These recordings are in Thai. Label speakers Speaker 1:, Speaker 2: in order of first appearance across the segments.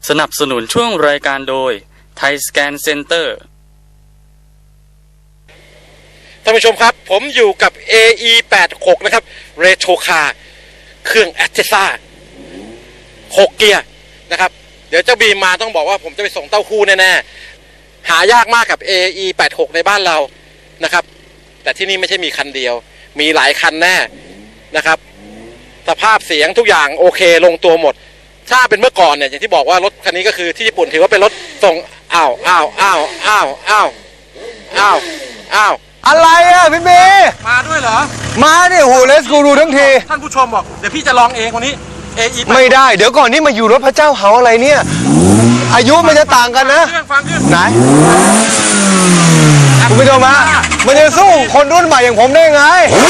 Speaker 1: สนับสนุนช่วงรายการโดยไทยสแกนเซ็นเตอร์
Speaker 2: ท่านผู้ชมครับผมอยู่กับ AE86 นะครับเรโทรคาร์เครื่องแอตเจซ่า6เกียร์นะครับเดี๋ยวเจ้าบีมมาต้องบอกว่าผมจะไปส่งเต้าหู้แน่ๆหายากมากกับ AE86 ในบ้านเรานะครับแต่ที่นี่ไม่ใช่มีคันเดียวมีหลายคันแน่นะครับสภาพเสียงทุกอย่างโอเคลงตัวหมดถ้าเป็นเมื่อก่อนเนี่ยอย่างที่บอกว่ารถคันนี้ก็คือที่ญี่ปุ่นถือว่าเป็นรถส่งอ้าว
Speaker 3: อะไรอ่ะพี่เมย์
Speaker 2: มาด้วยเหรอ
Speaker 3: มาดิโหเลสกูรูทั้งที
Speaker 2: ท่านผู้ชมบอกเดี๋ยวพี่จะลองเองวันนี้ AE
Speaker 3: ไม่ได้เดี๋ยวก่อนนี่มาอยู่รถพระเจ้าเฮาอะไรเนี่ยอายุมันจะต่างกันนะ
Speaker 2: ฟัง
Speaker 3: ไหนคุณผู้ชมฮะมันจะสู้คนรุ่นใหม่อย่างผมได้ไง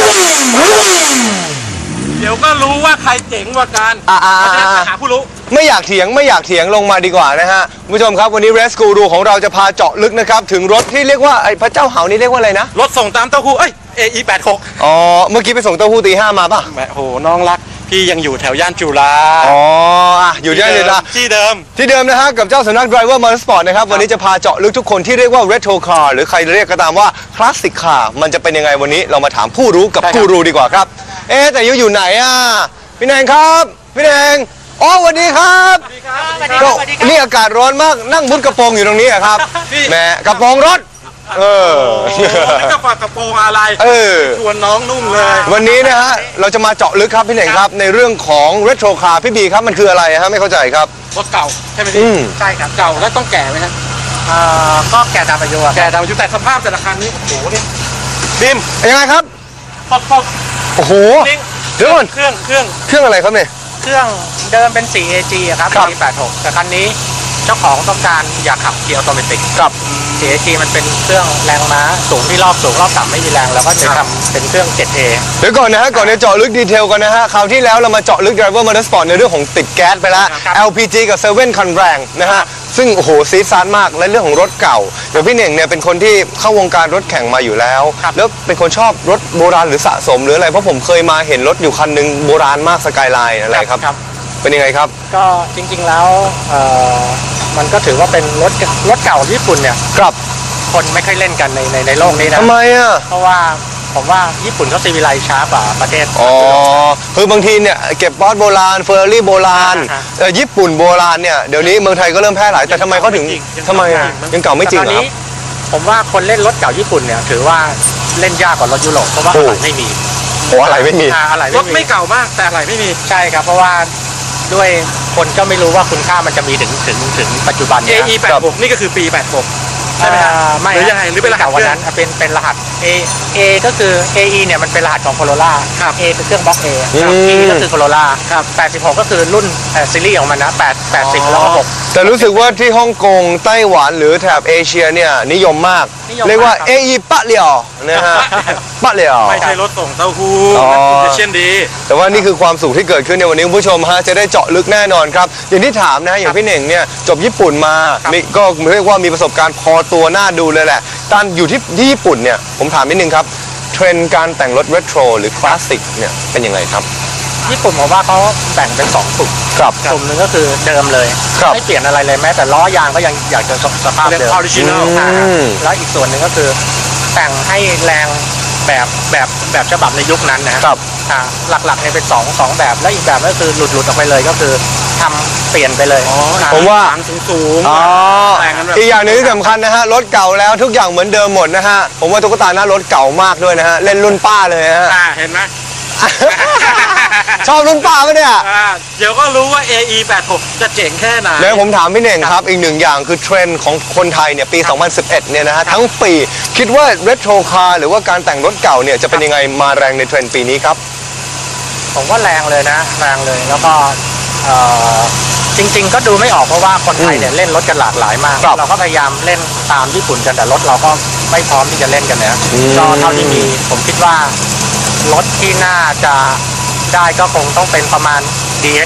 Speaker 2: เดี๋ยวก็รู้ว่าใครเจ๋งกว่ากันหาผู้รู้
Speaker 3: ไม่อยากเถียงลงมาดีกว่านะฮะคุณผู้ชมครับวันนี้เรสกูรูของเราจะพาเจาะลึกนะครับถึงรถที่เรียกว่าไอ้พระเจ้าเฮานี่เรียกว่าอะไรนะ
Speaker 2: รถส่งตามเต้าหู้AE86
Speaker 3: อ๋อเมื่อกี้ไปส่งเต้าหู้ตี 5มาป่ะ
Speaker 2: โหน้องรักพี่ยังอยู่แถวย่านจุฬา
Speaker 3: อ๋ออยู่ย่านจุฬา
Speaker 2: ที่เดิม
Speaker 3: นะฮะกับเจ้าสำนัก Driver Motorsport นะครับวันนี้จะพาเจาะลึกทุกคนที่เรียกว่า Retro Car หรือใครเรียกก็ตามว่า Classic Car มันจะเป็นยังไงวันนี้เรามาถามผู้รู้กับกูรูดีกว่าครับแต่อยู่ไหนอ่ะพี่แนงครับพี่แนงอ๋อสวัสดีครับก็นี่อากาศร้อนมากนั่งมุดกระโปรงอยู่ตรงนี้ครับแหมกระโปรงรถ
Speaker 2: ไม่จะฝากกระโปรงอะไรชวนน้องนุ่งเลย
Speaker 3: วันนี้นะฮะเราจะมาเจาะลึกครับพี่เน่งครับในเรื่องของเรโทรคาร์พี่บีครับมันคืออะไรฮะไม่เข้าใจครับ
Speaker 2: รถเก่าใช่ไหมพี่ใช่ครับเก่าแล้วต้องแก่ไหมครับก็แก่ตามอายุแต่สภาพแต่ละคันนี้โอ้โหนี่
Speaker 3: บิมยังไงครับโอ้โหเดี๋ยวก่อน
Speaker 2: เครื่อง
Speaker 3: อะไรครับเนี่ย
Speaker 4: เครื่องเดิมเป็น 4AG ครับ 486 แต่คันนี้เจ้าของต้องการอยากขับเกียร์ออโตเมติก
Speaker 3: ครับ
Speaker 4: 4AG มันเป็นเครื่องแรงม้าสูงที่รอบต่ำไม่มีแรงแล้วก็จะทำเป็นเครื่อง 7A
Speaker 3: เดี๋ยวก่อนนะฮะก่อนจะเจาะลึกดีเทลกันนะฮะคราวที่แล้วเรามาเจาะลึก Driver Motorsport ในเรื่องของติดแก๊สไปแล้ว LPG กับ7คันแรงนะฮะซึ่งโอ้โหซีดซานมากและเรื่องของรถเก่าเดี๋ยวพี่เน่งเนี่ยเป็นคนที่เข้าวงการรถแข่งมาอยู่แล้วแล้วเป็นคนชอบรถโบราณหรือสะสมหรืออะไรเพราะผมเคยมาเห็นรถอยู่คันนึงโบราณมากสกายไลน์อะไรครับเป็นยังไงครับ
Speaker 4: ก็จริงๆแล้วมันก็ถือว่าเป็นรถเก่าญี่ปุ่นเนี่ย
Speaker 3: ครับ
Speaker 4: คนไม่ค่อยเล่นกันในโลกนี้นะ
Speaker 3: ทำไมอ่ะ
Speaker 4: เพราะว่าผมว่าญี่ปุ่นเขาซีวิไลซ์ช้ากว่าประเทศ
Speaker 3: คือบางทีเนี่ยเก็บปอร์ตโบราณเฟอร์รารี่โบราณญี่ปุ่นโบราณเนี่ยเดี๋ยวนี้เมืองไทยก็เริ่มแพร่หลายแต่ทำไมเขาถึงทำไมยังเก่าไม่จริงเหรอ
Speaker 4: ผมว่าคนเล่นรถเก่าญี่ปุ่นเนี่ยถือว่าเล่นยากกว่ารถยุโรปเพราะว่าอะไรไม่มี
Speaker 3: อะไรไม่มี
Speaker 2: รถไม่เก่ามากแต่อะไรไม่มี
Speaker 4: ใช่ครับเพราะว่าด้วยคนก็ไม่รู้ว่าคุณค่ามันจะมีถึงปัจจุบันนี้
Speaker 2: AE86 นี่ก็คือปี86ใช่ไหมฮะ
Speaker 4: ไม่
Speaker 2: หรือยังไงหรือเป็นรหัส
Speaker 4: วันนั้นเป็นรหัส A ก็คือ AE เนี่ยมันเป็นรหัสของ Corolla A คือเครื่องบล็อก A E ก็คือ Corolla 86ก็คือรุ่นซีรีส์ของมันนะ80แล้วก็6
Speaker 3: แต่รู้สึกว่าที่ฮ่องกงไต้หวันหรือแถบเอเชียเนี่ยนิยมมากเรียกว่า AE ปะเหลี่ยวนะฮะปะเหลี่ยว
Speaker 2: ไม่ใช่รถส่งเต้าหู้เช่นดี
Speaker 3: แต่ว่านี่คือความสุขที่เกิดขึ้นในวันนี้คุณผู้ชมฮะจะได้เจาะลึกแน่นอนครับอย่างที่ถามนะอย่างพี่เน่งเนี่ยจบญี่ปุ่นมาก็เรียกว่ามีประสบการณ์พอตัวน่าดูเลยแหละตอนอยู่ที่ญี่ปุ่นเนี่ยผมถามนิดนึงครับเทรนด์การแต่งรถเรโทรหรือคลาสสิกเนี่ยเป็นยังไงครับ
Speaker 4: ญี่ปุ่นผมว่าเขาแบ่งเป็น2กลุ่มกลุ่มหนึ่งก็คือเดิมเลยไม่เปลี่ยนอะไรเลยแม้แต่ล้อยางก็ยังอยากจะสภาพเดิมแล้วอีกส่วนหนึ่งก็คือแต่งให้แรงแบบฉบับในยุคนั้นนะครับหลักๆเนี่ยเป็นสองแบบและอีกแบบก็คือหลุดออกไปเลยก็คือทำเปลี่ยนไปเลย
Speaker 3: ผมว่า
Speaker 2: สูง
Speaker 3: อีกอย่างหนึ่งที่สำคัญนะฮะรถเก่าแล้วทุกอย่างเหมือนเดิมหมดนะฮะผมว่าตุ๊กตาหน้ารถเก่ามากด้วยนะฮะเล่นรุ่นป้าเลยฮะ
Speaker 2: เห็นไหม
Speaker 3: ชอบรุ่นป้าไหมเนี่ย
Speaker 2: เดี๋ยวก็รู้ว่า AE86 จะเจ๋งแค่ไหน
Speaker 3: เดี๋ยวผมถามพี่เน่งครับอีกหนึ่งอย่างคือเทรนด์ของคนไทยเนี่ยปี 2011 เนี่ยนะฮะทั้งปีคิดว่าเรโทรคาร์หรือว่าการแต่งรถเก่าเนี่ยจะเป็นยังไงมาแรงในเทรนด์ปีนี้ครับ
Speaker 4: ผมว่าแรงเลยนะแรงเลยแล้วก็จริงๆก็ดูไม่ออกเพราะว่าคนไทยเนี่ยเล่นรถกันหลากหลายมากเราก็พยายามเล่นตามญี่ปุ่นกันแต่รถเราก็ไม่พร้อมที่จะเล่นกันนะก็เท่าที่มีผมคิดว่ารถที่น่าจะได้ก็คงต้องเป็นประมาณ DX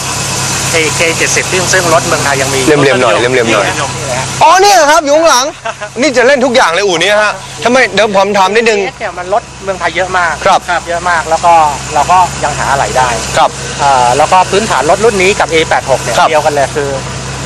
Speaker 4: AK70 ซึ่งรถเมืองไทยยังมี
Speaker 3: เลี่ยมๆหน่อยอ๋อเนี่ยครับอยู่ข้างหลังนี่จะเล่นทุกอย่างเลยอู่นี้ฮะทำไมเดี๋ยวผมถามนิดนึง
Speaker 4: เนี่ยมันรถเมืองไทยเยอะมาก
Speaker 3: ครับ
Speaker 4: เยอะมากแล้วก็เราก็ยังหาอะไรได้
Speaker 3: ครับ
Speaker 4: แล้วก็พื้นฐานรถรุ่นนี้กับ A86 เนี่ยเดียวกันเลยคือ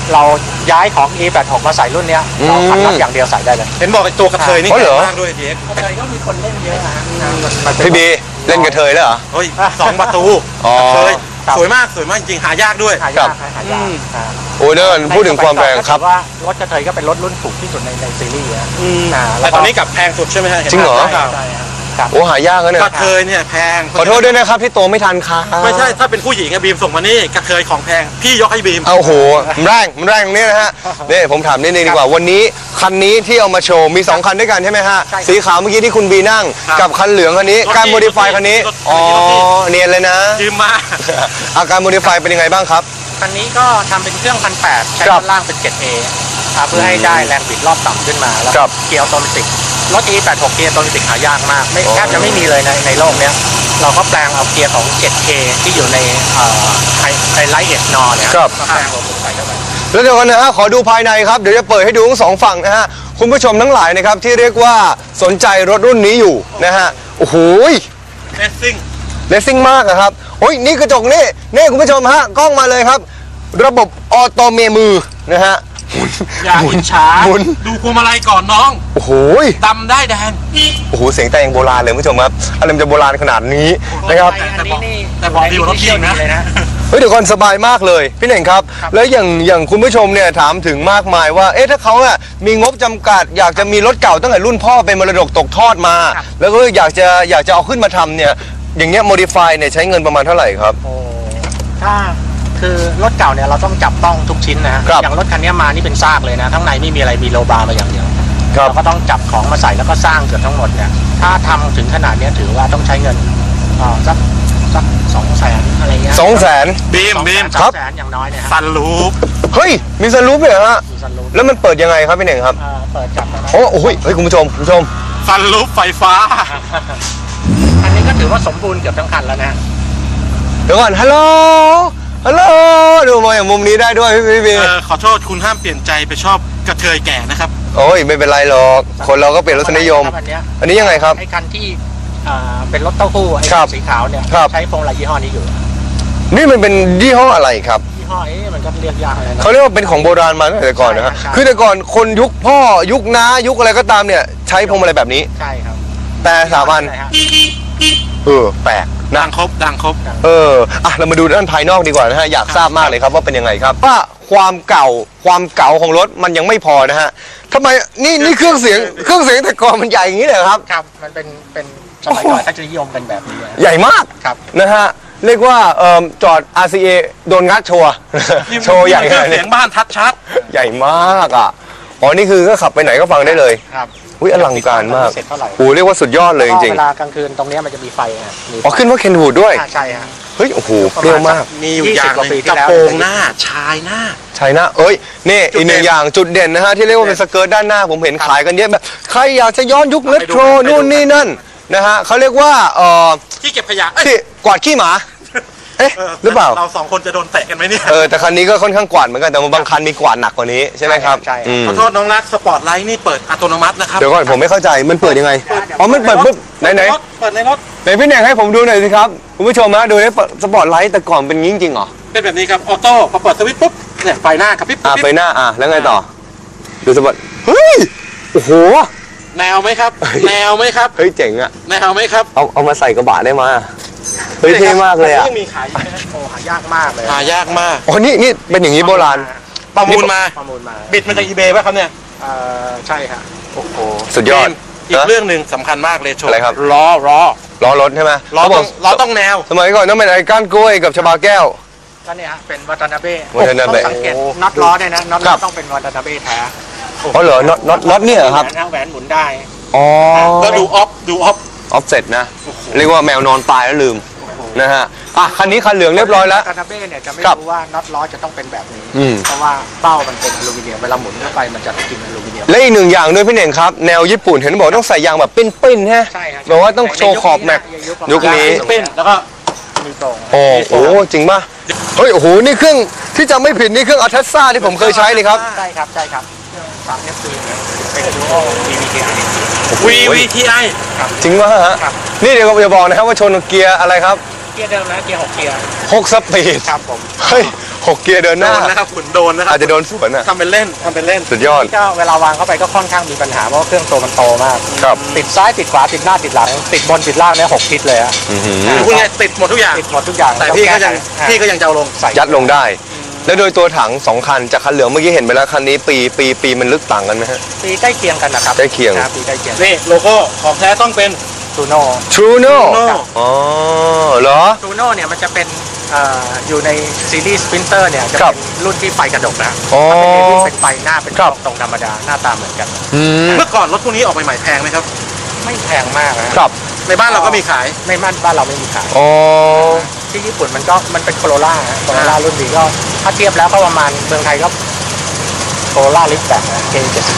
Speaker 4: เราย้ายของ E86 มาใส่รุ่นเนี้ยเราคันน็อตอย่างเดียวใส่ได้เลย
Speaker 2: เห็นบอกไอ้ตัวกระเทยนี่
Speaker 3: อ๋อเหรอ
Speaker 2: แข็งมากด้วยทีเอ็ก
Speaker 4: กระเทยก็มีคนเล่นเยอะนะ
Speaker 3: พี่บีเล่นกระเทยแล้วเหรอ
Speaker 2: เฮ้ย2 ประตู
Speaker 3: อ๋อ
Speaker 2: กระเทย
Speaker 4: ครับ
Speaker 2: สวยมากจริงหายากด้วย
Speaker 4: หายากหายาก
Speaker 3: โอ้ยเดินพูดถึงความแรงครับ
Speaker 4: ว่ารถกระเทยก็เป็นรถรุ่นถูกที่สุดในซีรีส์นะ
Speaker 2: แต่ตอนนี้กลับแพงสุดใช่ไหมฮะ
Speaker 3: จริงเหรอ
Speaker 2: ใช่
Speaker 4: ใช่ครับ
Speaker 3: โอ้หายากแล้วเนี่ย
Speaker 2: กระเทยเนี่ยแพง
Speaker 3: ขอโทษด้วยนะครับที่โตไม่ทันค่ะ
Speaker 2: ไม่ใช่ถ้าเป็นผู้หญิงอะบีมส่งมานี่กระเทยของแพงพี่ยกให้บีม
Speaker 3: เอาโหมันแรงตรงนี้นะฮะนี่ผมถามนิดนึงดีกว่าวันนี้คันนี้ที่เอามาโชว์มี2คันด้วยกันใช่ไหมฮะ
Speaker 4: ใช่ครับ
Speaker 3: สีขาวเมื่อกี้ที่คุณบีนั่ง
Speaker 2: ครับ
Speaker 3: กับคันเหลืองคันนี้
Speaker 2: รถ
Speaker 3: การ
Speaker 2: พี่
Speaker 3: โมดิฟายคันนี้
Speaker 2: รถพี่
Speaker 3: อ๋อ
Speaker 2: รถพี่
Speaker 3: เนียนเลยนะ
Speaker 2: ยืมมา
Speaker 3: อาการโมดิฟายเป็นยังไงบ้างครับ
Speaker 4: คันนี้ก็ทำเป็นเครื่อง1,800ใช้
Speaker 3: ครั
Speaker 4: ด้า
Speaker 3: บ
Speaker 4: นล่างเป็น 7A เพื่อให้ได้แรงบิดรอบต่ำขึ้นมาแล้ว
Speaker 3: ครับ
Speaker 4: เกียร์ออโตเมติกรถ E86 เกียร์ออโตเมติกหายากมากไม่
Speaker 3: อ๋อ
Speaker 4: แทบจะไม่มีเลยในโลกเนี้ยเราก็แปลงเอาเกียร์ของ 7K ที่อยู่ในไฮไลท์เอสนอเนี่ยมาแปลงระบบใส่เข้าไป
Speaker 3: แล้วเดี๋ยวกันนะฮะขอดูภายในครับเดี๋ยวจะเปิดให้ดูทั้งสองฝั่งนะฮะคุณผู้ชมทั้งหลายนะครับที่เรียกว่าสนใจรถรุ่นนี้อยู่นะฮะโอ้โห
Speaker 2: เลสซิ่ง
Speaker 3: เลสซิ่งมากอะครับโอ้ยนี่กระจกนี่คุณผู้ชมฮะกล้องมาเลยครับ ระบบออโตเมมือนะฮะ
Speaker 2: อย่าอิจฉา
Speaker 3: หมุน
Speaker 2: ดูพวงมาลัยก่อนน้อง
Speaker 3: โอ้โห
Speaker 2: ดำได้แดง
Speaker 3: โอ้โหเสียงแต่งโบราณเลยคุณผู้ชมครับอะไรมันจะโบราณขนาดนี้นะครับ
Speaker 4: อันนี้นี่
Speaker 2: แต่บอกดีกว่ารถพี่นะ
Speaker 4: เลยนะ
Speaker 3: เฮ้ยเดี๋ยวก่อนสบายมากเลยพี่เน่งครับ แล้วอย่างคุณผู้ชมเนี่ยถามถึงมากมายว่าเอ๊ะถ้าเขาอะมีงบจำกัด อยากจะมีรถเก่าตั้งแต่รุ่นพ่อเป็นมรดกตกทอดมา แล้วก็อยากจะเอาขึ้นมาทำเนี่ยอย่างเงี้ยโมดิฟายเนี่ยใช้เงินประมาณเท่าไหร่ครับ
Speaker 4: โอ้ถ้าคือรถเก่าเนี่ยเราต้องจับต้องทุกชิ้นนะฮะ
Speaker 3: ครับ
Speaker 4: อย่างรถคันนี้มานี่เป็นซากเลยนะข้างในไม่มีอะไรมีโลบาร์มาอย่างเดียว
Speaker 3: ครับ
Speaker 4: เราก็ต้องจับของมาใส่แล้วก็สร้างเกือบทั้งหมดเนี่ยถ้าทำถึงขนาดเนี้ยถือว่าต้องใช้เงินสัก200,000อะไรเงี้ย
Speaker 3: 200,000
Speaker 2: บีม
Speaker 3: ครับ
Speaker 4: 200,000อย่างน้อยเนี่ยฮะ
Speaker 2: ซันรูฟ
Speaker 3: เฮ้ยมีสลูปเลยเหรอฮะ
Speaker 4: มีซันรูฟ
Speaker 3: แล้วมันเปิดยังไงครับพี่เน่งครับ
Speaker 4: เปิดจับแล้วนะ
Speaker 3: โอ้โหเฮ้ยคุณผู้ชม
Speaker 2: ซันรูฟไฟฟ้า
Speaker 4: อันนี้ก็ถือว่าสมบูรณ์เกือบทั้งคันแล้วนะ
Speaker 3: เดี๋ยวก่อนฮัลโหลดูมาอย่างมุมนี้ได้ด้วยพี่บี
Speaker 2: ขอโทษคุณห้ามเปลี่ยนใจไปชอบกระเทยแก่นะครับ
Speaker 3: โอ้ยไม่เป็นไรหรอกคนเราก็เปลี่ยนรสนิยม
Speaker 4: ครับ
Speaker 3: อันนี้ยังไงครับ
Speaker 4: ไอ้คันที่เป็นรถเต้าหู้ไอ้
Speaker 3: ครับ
Speaker 4: สีขาวเนี่ย
Speaker 3: ครับ
Speaker 4: ใช้พวงมาลัยยี่ห้อนี้อยู่
Speaker 3: นี่มันเป็นยี่ห้ออะไรครับ
Speaker 4: ยี่ห้อมันก็เรียกยากเลยนะ
Speaker 3: เขาเรียกว่าเป็นของโบราณมาตั้งแต่ก่อนนะฮะ
Speaker 4: ใช่
Speaker 3: คือแต่ก่อนคนยุคพ่อยุคน้ายุคอะไรก็ตามเนี่ยใช้พวงมาลัยแบบนี้
Speaker 4: ใช่ครับ
Speaker 3: แต่สามอัน
Speaker 4: ใช่ฮะ
Speaker 3: แปลกนะ
Speaker 2: ดังครบ
Speaker 3: เรามาดูด้านภายนอกดีกว่านะฮะอยากทราบมากเลยครับว่าเป็นยังไงครับว่าความเก่าของรถมันยังไม่พอนะฮะทำไมนี่เครื่องเสียงแต่ก่อนมันใหญ่อย่างนี้เลยครับ
Speaker 4: ครับมันเป็นสมัยก่อนเขาจะนิยมกันแบบนี้นะ
Speaker 3: ใหญ่มาก
Speaker 4: ครับ
Speaker 3: นะฮะเรียกว่าจอด RCA โดนงัดโชว์ โชว์ใหญ่ขนาด
Speaker 2: เสี
Speaker 3: นี้
Speaker 2: ยงบ้านทัดชัด
Speaker 3: ใหญ่มากอ่ะอ๋อนี่คือก็ขับไปไหนก็ฟังได้เลย
Speaker 4: ครับ
Speaker 3: อุ้ยอลังการมาก
Speaker 4: เสร็จเท่าไหร่
Speaker 3: โอ้เรียกว่าสุดยอดเลยจริง
Speaker 4: เวลากลางคืนตรงเนี้ยมันจะมีไฟฮะมี
Speaker 3: ๆอ๋อขึ้นว่าเคนวูดด้วย
Speaker 4: ใช่ฮะ
Speaker 3: เฮ้ยโอ้โหเปรี้ยวมาก
Speaker 2: มีอยู่อย่างห
Speaker 4: 20กว่าปี
Speaker 2: นึง
Speaker 4: ที่
Speaker 2: กระ
Speaker 4: แล้ว
Speaker 2: โปรงหน้าชายหน้า
Speaker 3: ใช่นะเอ้ยนี่
Speaker 2: จุด
Speaker 3: อีกหนึ่ง
Speaker 2: เด่น
Speaker 3: อย่างจุดเด่นนะฮะที่เรียกว่าเป็นสเกิร์ตด้านหน้าผมเห็นขายกันเยอะแบบใครอยากจะย้อนยุคเรโทร
Speaker 2: ไปดู
Speaker 3: นู่นนี่นั่นนะฮะเขาเรียกว่า
Speaker 2: ที่เก็บขยะ
Speaker 3: ที่กวาดขี้หมาเอ๊ะหรือเปล่า
Speaker 2: เราสองคนจะโดนเตะกันไหมเนี่ย
Speaker 3: แต่คันนี้ก็ค่อนข้างกวาดเหมือนกันแต่บางคันมีกวาดหนักกว่านี้ใช่ไหมครับ
Speaker 4: ใช่
Speaker 3: อืม
Speaker 2: ขอโทษน้องรักสปอร์ตไลท์นี่เปิดอัตโนมัตินะครับ
Speaker 3: เดี๋ยวก่อนผมไม่เข้าใจมันเปิดยังไงอ๋อมันเปิดปุ๊บไหน
Speaker 2: เปิดในรถ
Speaker 3: ไหนพี่แหน่งให้ผมดูหน่อยสิครับคุณผู้ชมฮะดูนี่สปอร์ตไลท์แต่ก่อนเป็นงี้จริงๆเหรอ
Speaker 2: เป็นแบบนี้ครับออโต้พอเปิดสวิตช์ปุ๊บเนี่ยไฟหน้ากระพริบ
Speaker 3: ไฟหน้าแล้วไงต่อดูสปอร์ตเฮ้ยโอ้โห
Speaker 2: แนวไหมครับแนวไหมครับ
Speaker 3: เฮ้ยเจ๋งอะ
Speaker 2: แนวไหมครับ
Speaker 3: เอามาใส่กระบะได้มาเฮ้ยเท่มากเลยอะ
Speaker 2: ยังมีขายอยู่ไหมฮะ
Speaker 4: โอ้หายากมากเลย
Speaker 2: หายากมาก
Speaker 3: อ๋อนี่เป็นอย่างนี้โบราณ
Speaker 2: ประมูลมา
Speaker 4: ประมูลมา
Speaker 2: บิดมาจากอีเบย์ป่ะครับเนี่ย
Speaker 4: ใช่ฮะ
Speaker 3: โอ้โหสุดยอด
Speaker 2: อีกเรื่องหนึ่งสำคัญมากเลยโชว์
Speaker 3: อะไรครับ
Speaker 2: ล้อ
Speaker 3: ล้อรถใช่ไหม
Speaker 2: ล้อ
Speaker 3: เขาบ
Speaker 2: ต้
Speaker 3: อ
Speaker 2: อก งล้อต้องแนว
Speaker 3: สมัยก่อนต้องเป็นไอ้ก้านกล้วยกับชบาแก้ว
Speaker 4: ก็เนี่ยฮะเป็นวัตนาเบ้
Speaker 3: วัตนาเบ้
Speaker 4: ต้องสังเกตน็อตล้อเนี่ยนะน็อต
Speaker 3: ครั
Speaker 4: ล้อบ ต้องเป็นวัตนาเบ้แท้
Speaker 3: อ๋อเหรอน็อตเนี่ยเหรอครับ
Speaker 4: แหวนหมุนได้
Speaker 3: อ๋อ
Speaker 2: แล้วดูออฟ
Speaker 3: ออฟเซ็ตนะเรียกว่าแมวนอนตายแล้วลืมนะฮะคันนี้คันเหลืองเรียบร้อยแล้ว
Speaker 4: วัตนาเบ้เนี่ยจะไม่
Speaker 3: ครับ
Speaker 4: รู้ว่าน็อตล้อจะต้องเป็นแบบนี้
Speaker 3: อืม
Speaker 4: เพราะว่าเป้ามันเป็นอลูมิเนียมเวลาหมุนเข้าไปมันจะกินอลูมิเนียม
Speaker 3: และอีกหนึ่งอย่างด้วยพี่เน่งครับแนวญี่ปุ่นเห็นบอกต้องใส่ยางแบบปิ้นๆฮะ
Speaker 4: ใช่ครับ
Speaker 3: แบบว่าต้องโชว์ขอบแม็กยุคนี้
Speaker 2: เป็นแล้วก็
Speaker 4: มีตรง
Speaker 3: โอ้โหจริงป่ะเฮ้ยโอ้โหนี่เครื่องที่จำไม่ผิดนี่เครื่องอัลเทซ่าที่ผมเคยใช้นี่ครับ
Speaker 4: ใช่ครับสามเอฟซีเป็นดูโอ
Speaker 2: VVTi
Speaker 3: จริงป่ะฮะ
Speaker 4: ครับ
Speaker 3: นี่เดี๋ยวอย่าบอกนะครับว่าชนเกียร์อะไรครับ
Speaker 4: เกียร์เดิมนะเกียร์6 เกียร์
Speaker 3: 6 สปีด
Speaker 4: ครับผม
Speaker 3: เฮ้ย 6 เกียร์เดินห
Speaker 2: โด
Speaker 3: น้า
Speaker 2: นนะครับขุนโดนนะครับ
Speaker 3: อาจจะโดนสวนอ่ะ
Speaker 2: ทำเป็นเล่นทำเป็นเล่น
Speaker 3: สุดยอด
Speaker 4: ก็เวลาวางเข้าไปก็ค่อนข้างมีปัญหาเพราะว่าเครื่องตัวมันโตมาก
Speaker 3: ครับ
Speaker 4: ติดซ้ายติดขวาติดหน้าติดหลัง ติดบนติดล่างเนี่ย6 ทิศเลยฮะ
Speaker 3: อื้อหือ
Speaker 2: คือพูดง่ายๆติดหมดทุกอย่าง
Speaker 4: ติดหมดทุกอย่าง
Speaker 2: แต่พี่ก็ยัง
Speaker 4: อ่า
Speaker 2: พี่ก็ยังจะเอาลง
Speaker 4: ใส่
Speaker 3: ยัดลงได้ แล้วโดยตัวถัง2 คันจากคันเหลืองเมื่อกี้เห็นไปแล้วคันนี้ปีมันลึกต่างกันไหมฮะ
Speaker 4: ปีใกล้เคียงกันนะครับ
Speaker 3: ใกล้เคียง
Speaker 4: รับปีใกล้เคียง
Speaker 2: นี่โลโก้ของแท้ต้องเป็น
Speaker 4: ทูโน่
Speaker 3: Truno
Speaker 2: Truno
Speaker 3: อ๋อเหรอ
Speaker 4: ทูโน่เนี่ยมันจะเป็นอยู่ในซีรีส์สปรินเตอร์เนี่ยจะ
Speaker 3: ครั
Speaker 4: เป็
Speaker 3: บ
Speaker 4: นรุ่นที่ไฟกระดกนะ
Speaker 3: อ๋อ
Speaker 4: ถ้าเป็นเอวิสเป็นไฟหน้าเป็น
Speaker 3: ครับ
Speaker 4: ตรงธรรมดาหน้าตาเหมือนกัน
Speaker 3: อืม
Speaker 2: เมื่อก่อนรถพวกนี้ออกใหม่ๆแพงไหมครับ
Speaker 4: ไม่แพงมากนะครับ
Speaker 2: ในบ้านเราก็มีขาย
Speaker 4: ในบ้านเราไม่มีขาย
Speaker 3: อ๋อ
Speaker 4: ที่ญี่ปุ่นมันเป็นโคโรล่าโคโรล่ารุ่นนี้ก็ถ้าเทียบแล้วก็ประมาณเมืองไทยก็โคโรล่าลิฟต์แบบนะ K70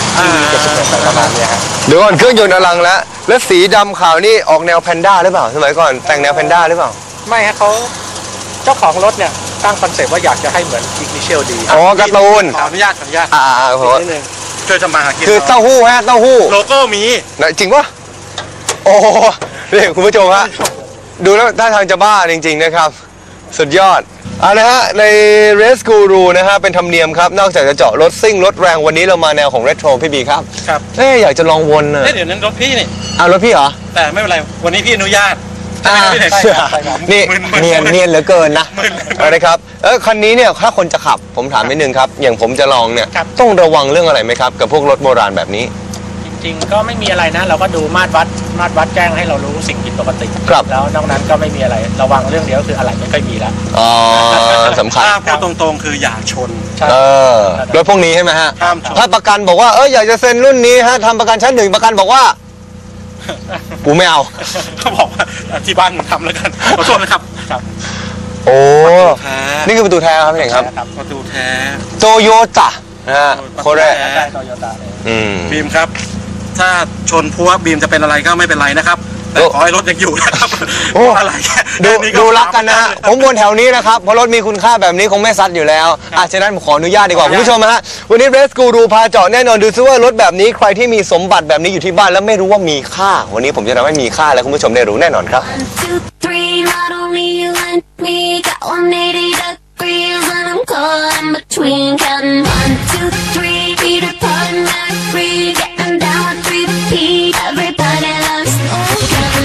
Speaker 4: 71ประมาณเนี้ยฮะ
Speaker 3: เดี๋ยวก่อนเครื่องยนต์อลังแล้วสีดำขาวนี่ออกแนวแพนด้าหรือเปล่าสมัยก่อนแต่งแนวแพนด้าหรือเปล่า
Speaker 4: ไม่ฮะเขาเจ้าของรถเนี่ยตั้งคอนเซ็ปต์ว่าอยากจะให้เหมือนอิกนิเชลดี
Speaker 3: อ๋อการ์ตูน
Speaker 2: ขออนุญาตขออนุญาต
Speaker 3: ขอ
Speaker 2: นิดนึงช่วยทำมาหากิน
Speaker 3: คือเต้าหู้ฮะเต้าหู้
Speaker 2: โลโก้มี
Speaker 3: นะจริงปะโอ้โหนี่คุณผู้ชมฮะดูแล้วท่าทางจะบ้าจริงๆนะครับ สุดยอดเอาละฮะใน Race Guru นะฮะเป็นธรรมเนียมครับนอกจากจะเจาะรถซิ่งรถแรงวันนี้เรามาแนวของเรโทรพี่บีครับ
Speaker 2: ครับ
Speaker 3: อยากจะลองวนน่ะ
Speaker 2: เดี๋ยวนั้นรถพี่นี่
Speaker 3: เอารถพี่เหรอ
Speaker 2: แต่ไม่เป็นไรวันนี้พี่อนุญาต
Speaker 3: อ่า
Speaker 2: ไม่ได้
Speaker 3: นี่
Speaker 2: มึนๆ
Speaker 3: เนียนเหลือเกินนะ
Speaker 2: มึนๆ
Speaker 3: เอาละครับคันนี้เนี่ยถ้าคนจะขับผมถามนิดนึงครับอย่างผมจะลองเนี่ย
Speaker 4: ครับ
Speaker 3: ต้องระวังเรื่องอะไรไหมครับกับพวกรถโบราณแบบนี้
Speaker 4: จริงๆก็ไม่มีอะไรนะเราก็ดูมาตรวัดแจ้งให้เรารู้สิ่งผิดปกติ
Speaker 3: ครับ
Speaker 4: แล้วนอกนั้นก็ไม่มีอะไรระวังเรื่องเดียวก็คืออะไรไม่ค่อยมีแล้ว
Speaker 3: อ๋อสำคัญ
Speaker 2: ถ้าพูดตรงๆคืออย่าชน
Speaker 4: ใช่
Speaker 3: รถพวกนี้ใช่ไหมฮะ
Speaker 2: ห้ามชน
Speaker 3: ถ้าประกันบอกว่าอยากจะเซ็นรุ่นนี้ฮะทำประกันชั้น 1ประกันบอกว่ากูไม่เอา
Speaker 2: เขาบอกว่าที่บ้านมึงทำแล้วกันขอโทษนะครับ
Speaker 4: ครับ
Speaker 3: โอ้
Speaker 2: แท้
Speaker 3: นี่คือประตูแท้ครับพี่เองครับ
Speaker 4: ครับ
Speaker 2: ประตูแท้
Speaker 3: โตโยต้านะฮะโคเร
Speaker 2: แท้
Speaker 4: ได้โตโยต้าเลย
Speaker 3: อืม
Speaker 2: บีมครับ ถ้าชนพัวบีมจะเป็นอะไรก็ไม่เป็นไรนะครับ แต่
Speaker 3: โอ้
Speaker 2: ขอให้รถยังอยู่นะครับ
Speaker 3: โอ้
Speaker 2: อะไร
Speaker 3: ดู
Speaker 2: แค่
Speaker 3: ดูรักกันนะฮะผมวนแถวนี้นะครับเพราะรถมีคุณค่าแบบนี้คงไม่ซัดอยู่แล้วฉะนั้นผมขออนุญาตดีกว่าคุณผู้ชมฮะวันนี้เรสกูรูพาเจาะแน่นอนดูซิว่ารถแบบนี้ใครที่มีสมบัติแบบนี้อยู่ที่บ้านแล้วไม่รู้ว่ามีค่า วันนี้ผมจะทำให้มีค่าและคุณผู้ชมได้รู้แน่นอนครับ
Speaker 5: 1, 2, 3, not only you and me got 180 degrees and I'm caught in between counting 1, 2, 3, Peter Pan, Mac free, getting down with 3 P. Everybody loves smoking.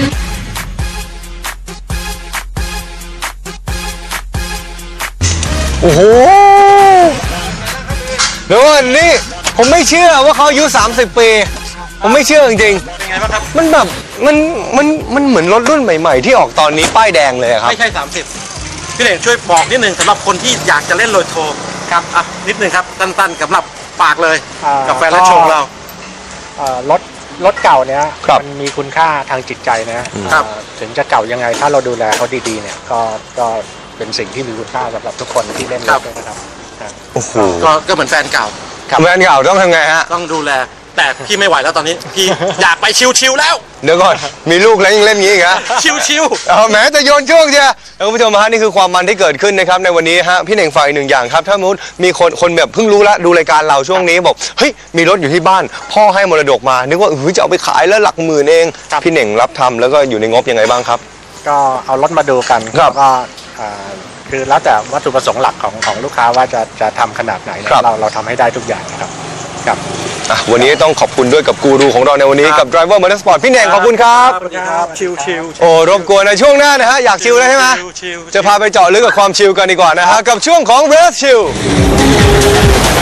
Speaker 3: โอ้โหเดี๋ยวก่อนนี่ผมไม่เชื่อว่าเขาอายุ30 ปี ผมไม่เชื่อจริง
Speaker 2: เป็นไงบ้างครับ
Speaker 3: ๆมันแบบมันเหมือนรถรุ่นใหม่ ๆ ที่ออกตอนนี้ป้ายแดงเลยอะครับ
Speaker 2: ไม่ใช่30พี่เด่งช่วยบอกนิดนึงสำหรับคนที่อยากจะเล่นโรโทครับอ่ะนิดนึงครับสั้นๆสำหรับปากเลยกับแฟนและชมเรา
Speaker 4: รถเก่าเนี่ย
Speaker 3: ครับ
Speaker 4: มันมีคุณค่าทางจิตใจนะครับ ถึงจะเก่ายังไงถ้าเราดูแลเขาดีๆเนี่ยก็เป็นสิ่งที่มีคุณค่าสำหรับทุกคนที่เล่นรถด้วยนะครับ
Speaker 3: โอ้โห
Speaker 2: ก็เหมือนแฟนเก่า
Speaker 3: แฟนเก่าต้องทำไงฮะ
Speaker 2: ต้องดูแล แต่พี่ไม่ไหวแล้วตอนนี้ พี่อยากไปชิวๆแล้ว
Speaker 3: เดี๋ยวก่อนมีลูกแล้วยังเล่นงี้อีกฮะ
Speaker 2: ชิว
Speaker 3: แหมจะโยนช่วงเชียแล้วคุณผู้ชมฮะนี่คือความมันที่เกิดขึ้นนะครับในวันนี้ฮะพี่เน่งฝากอีกหนึ่งอย่างครับถ้ามุดมีคนแบบเพิ่งรู้ละดูรายการเราช่วงนี้บอกเฮ้ยมีรถอยู่ที่บ้าน พ่อให้มรดกมานึกว่าจะเอาไปขายแล้วหลักหมื่นเอง
Speaker 4: ครับ
Speaker 3: พี่เน่งรับทำแล้วก็อยู่ในงบยังไงบ้างครับ
Speaker 4: ก็เอารถมาดูกัน
Speaker 3: ครับ
Speaker 4: แล้วก็คือแล้วแต่วัตถุประสงค์หลักของลูกค้าว่าจะทำขนาดไหนนะครับ เราทำให้ได้ทุกอย่างนะครับครับ
Speaker 3: วันนี้ต้องขอบคุณด้วยกับกูรูของเราในวันนี้กับ Driver Motorsport พี่เน่งขอบคุณครับ
Speaker 2: ๆสวัสดีครับชิวๆ
Speaker 3: โอ้รบกวนในช่วงหน้านะฮะอยากชิลแล้วใช่ไหม
Speaker 2: ชิวๆ
Speaker 3: จะพาไปเจาะลึกกับความชิลกันดีกว่านะฮะกับช่วงของ Race Chill